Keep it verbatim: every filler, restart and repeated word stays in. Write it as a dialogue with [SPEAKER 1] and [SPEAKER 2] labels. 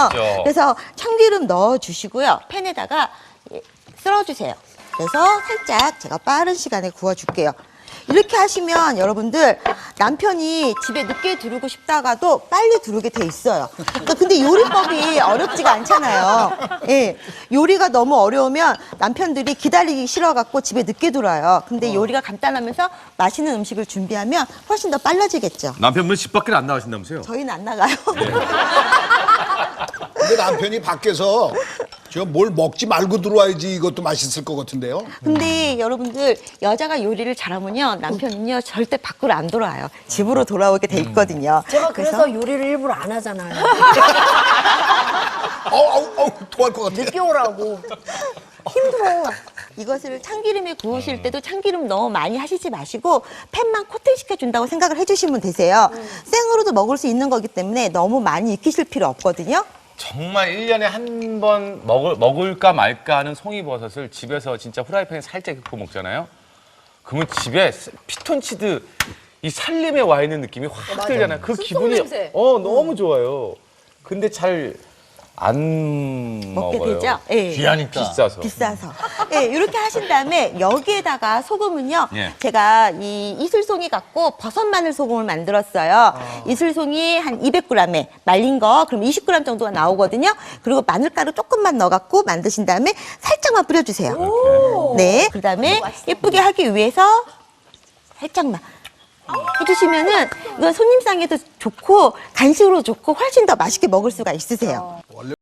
[SPEAKER 1] 맛있죠.
[SPEAKER 2] 그래서 참기름 넣어주시고요. 팬에다가 쓸어주세요. 그래서 살짝 제가 빠른 시간에 구워줄게요. 이렇게 하시면 여러분들 남편이 집에 늦게 들어오고 싶다가도 빨리 들어오게 돼 있어요. 그러니까 근데 요리법이 어렵지가 않잖아요. 예, 요리가 너무 어려우면 남편들이 기다리기 싫어갖고 집에 늦게 들어와요. 근데 요리가 간단하면서 맛있는 음식을 준비하면 훨씬 더 빨라지겠죠.
[SPEAKER 1] 남편분 집 밖에 안 나가신다면서요?
[SPEAKER 2] 저희는 안 나가요.
[SPEAKER 3] 근데 남편이 밖에서 저 뭘 먹지 말고 들어와야지 이것도 맛있을 것 같은데요.
[SPEAKER 2] 근데 여러분들 여자가 요리를 잘하면요 남편은요 절대 밖으로 안 돌아와요. 집으로 돌아오게 돼 있거든요.
[SPEAKER 4] 제가 그래서 요리를 일부러 안 하잖아요.
[SPEAKER 3] 어우, 어우, 어우, 토할 것 같아.
[SPEAKER 4] 늦게 오라고.
[SPEAKER 2] 힘들어. 이것을 참기름에 구우실 때도 참기름 너무 많이 하시지 마시고 팬만 코팅시켜 준다고 생각을 해주시면 되세요. 생으로도 먹을 수 있는 거기 때문에 너무 많이 익히실 필요 없거든요.
[SPEAKER 1] 정말 일 년에 한 번 먹을, 먹을까 말까 하는 송이버섯을 집에서 진짜 후라이팬에 살짝 굽고 먹잖아요. 그러면 집에 피톤치드 이 살림에 와 있는 느낌이 확 들잖아요. 그 기분이
[SPEAKER 4] 냄새.
[SPEAKER 1] 어 너무 좋아요. 근데 잘 안
[SPEAKER 2] 먹게
[SPEAKER 1] 먹어요.
[SPEAKER 2] 되죠? 예.
[SPEAKER 1] 귀하니까. 비싸서.
[SPEAKER 2] 비싸서. 예, 이렇게 하신 다음에 여기에다가 소금은요.
[SPEAKER 1] 예.
[SPEAKER 2] 제가 이 이슬송이 갖고 버섯 마늘 소금을 만들었어요. 이슬송이 한 이백 그램에 말린 거 그럼 이십 그램 정도가 나오거든요. 그리고 마늘가루 조금만 넣어갖고 만드신 다음에 살짝만 뿌려주세요. 네. 그다음에 예쁘게 하기 위해서 살짝만. 해주시면은 이건 손님상에도 좋고 간식으로 좋고 훨씬 더 맛있게 먹을 수가 있으세요.
[SPEAKER 3] 원래